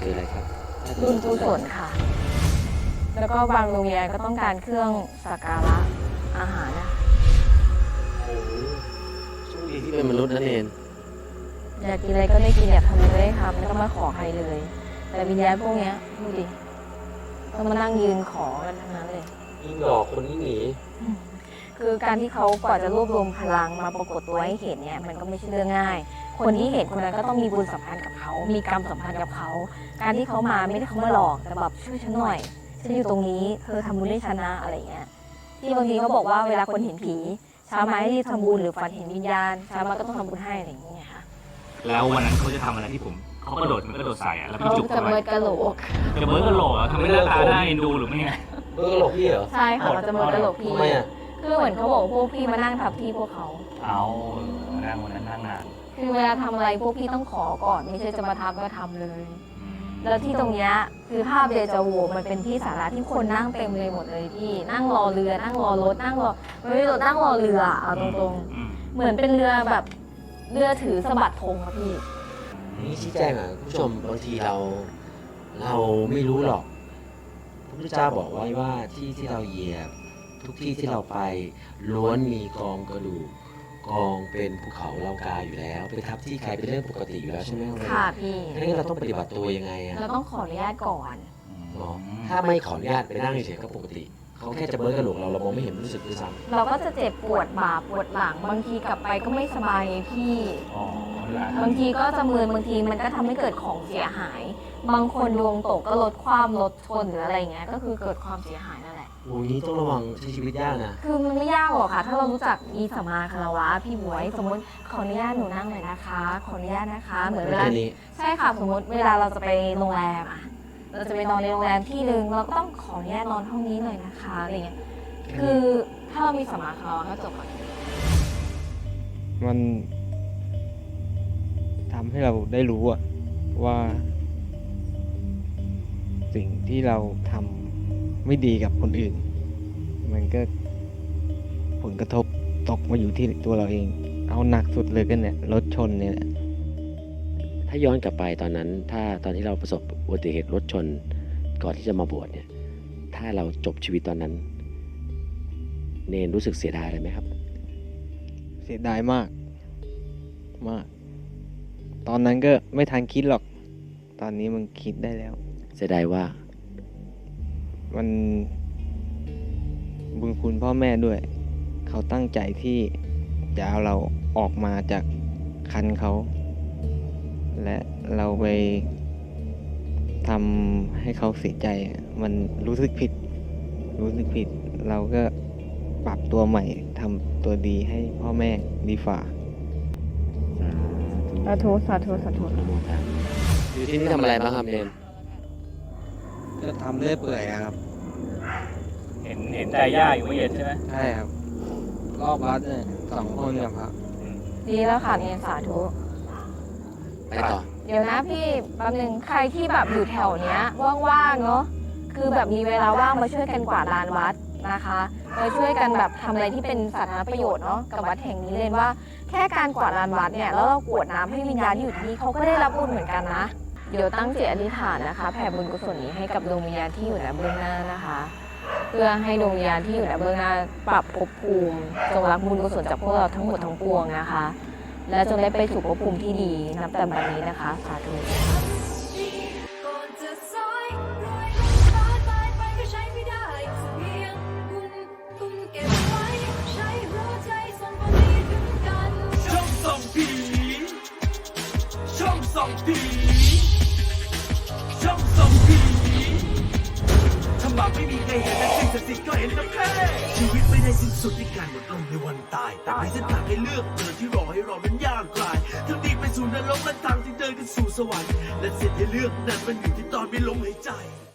คืออะไรครับบุญกุศลค่ะแล้วก็บางโรงเรียนก็ต้องการเครื่องสักการะอาหารนะโชคดีที่เป็นมนุษย์นั่นเองอยากกินอะไรก็ได้กินอยากทำอะไรก็ได้ทำไม่ต้องมาขอใครเลยแต่วิญญาณพวกนี้ดูดิต้องมานั่งยืนขอกันทั้งนั้นเลยยิ่งหลอกคนยิ่งหนีคือการที่เขากว่าจะรวบรวมพลังมาปรากฏตัวให้เห็นเนี่ยมันก็ไม่ใช่เรื่องง่ายคนที่เห็นคนนั้นก็ต้องมีบุญสัมพันธ์กับเขามีกรรมสัมพันธ์กับเขาการที่เขามาไม่ได้เขามาหลอกแต่แบบช่วยฉันหน่อยฉันอยู่ตรงนี้เธอทำบุญให้ฉันนะอะไรเงี้ยที่บางทีเขาบอกว่าเวลาคนเห็นผีเช้ามาให้รีบทำบุญหรือฝันเห็นวิญญาณเช้ามาก็ต้องทำบุญให้อะไรอย่างเงี้ยค่ะแล้ววันนั้นเขาจะทำอะไรที่ผมเขากระโดดมันกระโดดใส่แล้วพี่จุกจะเบิร์ดกระโหลกจะเบิร์ดกระโหลกทำให้หน้าตาได้ดูหรือไม่ไงเบิร์ดกระโหลกพี่เหรอใช่ค่ะจะเบิร์ดกระโหลกพี่ทำไมอ่ะคือเหมือนเขาบอกพวกพี่มานั่งทับที่พวกเขาเอานั่งวันนั้นนั่งนานคือเวลาทำอะไรพวกพี่ต้องขอก่อนไม่ใช่จะมาทำก็ทำเลยแล้วที่ตรงนี้คือภาพเดจาวูมันเป็นที่สาธารณะที่คนนั่งเต็มเลยหมดเลยพี่นั่งรอเรือนั่งรอรถนั่งรอไม่ใช่รถนั่งรอเรือเอาตรงๆเหมือนเป็นเรือแบบเรือถือสะบัดธงอะพี่นี่ชี้แจงอ่ะผู้ชมบางทีเราไม่รู้หรอกพระพุทธเจ้าบอกไว้ว่าที่เราเหยียบทุกที่ที่เราไปล้วนมีกองกระดูกกองเป็นภูเขาเหล่ากาอยู่แล้วไปทับที่ใครเป็นเรื่องปกติอยู่แล้วใช่ไหมค่ะพี่งั้นเราต้องปฏิบัติตัวยังไงอ่ะเราต้องขออนุญาตก่อนถ้าไม่ขออนุญาตไปนั่งเฉยๆก็ปกติเขาแค่จะเบิร์กระโหลกเรามองไม่เห็นรู้สึกด้วยซ้ำเราก็จะเจ็บปวดบ่าปวดหลังบางทีกลับไปก็ไม่สบายพี่บางทีก็จะมึนบางทีมันก็ทำให้เกิดของเสียหายบางคนดวงตกก็ลดความรถชนหรืออะไรเงี้ยก็คือเกิดความเสียหายนั่นแหละโอ้ยต้องระวังชีวิตยากนะคือมันไม่ยากหรอกค่ะถ้าเรารู้จักอีสัมมาคารวะพี่บวยสมมติขออนุญาตหนูนั่งหน่อยนะคะขออนุญาตนะคะเหมือนเวลาใช่ค่ะสมมติเวลาเราจะไปโรงแรมอ่ะเราจะไปนอนในโรงแรมที่นึงเราก็ต้องขออนุญาตนอนห้องนี้หน่อยนะคะอะไรเงี้ยคือถ้าเรามีสัมมาคารวะก็จบอ่ะมันทำให้เราได้รู้ว่าสิ่งที่เราทำไม่ดีกับคนอื่นมันก็ผลกระทบตกมาอยู่ที่ตัวเราเองเอาหนักสุดเลยก็เนี่ยรถชนเนี่ยถ้าย้อนกลับไปตอนนั้นตอนที่เราประสบอุบัติเหตุรถชนก่อนที่จะมาบวชเนี่ยถ้าเราจบชีวิตตอนนั้นเนนรู้สึกเสียดายอะไรไหมครับเสียดายมากตอนนั้นก็ไม่ทันคิดหรอกตอนนี้มันคิดได้แล้วเสียดายว่ามันบุญคุณพ่อแม่ด้วยเขาตั้งใจที่จะเอาเราออกมาจากคันเขาและเราไปทำให้เขาเสียใจมันรู้สึกผิดเราก็ปรับตัวใหม่ทำตัวดีให้พ่อแม่ดีฝ่าสาธุอยู่ที่นี่ทำอะไรบ้างครับเนนก็ทำเรื่อยเปื่อยครับเห็นใจย่าอยู่ไม่เย็นใช่ไหมใช่ครับรอบวัดเนี่ย2 คนกับครับดีแล้วค่ะเนนสาธุไปต่อเดี๋ยวนะพี่แป๊บนึงใครที่แบบอยู่แถวเนี้ยว่างๆเนาะคือแบบมีเวลาว่างมาช่วยกันกวาดลานวัดนะคะมาช่วยกันแบบทำอะไรที่เป็นสาธารณประโยชน์เนาะกับวัดแห่งนี้เลยว่าแค่การกวาดลานวัดเนี่ยแล้วเรากรวดน้ำให้วิญญาณที่อยู่ที่นี่เขาก็ได้รับบุญเหมือนกันนะเดี๋ยวตั้งจิตอธิษฐานนะคะแผ่บุญกุศลนี้ให้กับดวงวิญญาณที่อยู่ณเบื้องหน้านะคะเพื่อให้ดวงวิญญาณที่อยู่ณเบื้องหน้าปรับภพภูมิจงรับบุญกุศลจากพวกเราทั้งหมดทั้งปวงนะคะและจงได้ไปสู่ภพภูมิที่ดีนับแต่บัดนี้นะคะสาธุถ้ามาไม่มีใครเห็นและสิ่งศักดิ์สิทธิ์ก็เห็นนะแค่ชีวิตไม่ได้สิ้นสุดที่การหมดลงในวันตายแต่มีเส้นทางให้เลือกเดินที่รอให้เรานั้นยากไกลทั้งดีไปสู่นรกและทางที่เดินกันสู่สวรรค์และเส้นให้เลือกนั้นมันอยู่ที่ตอนไม่ลมหายใจ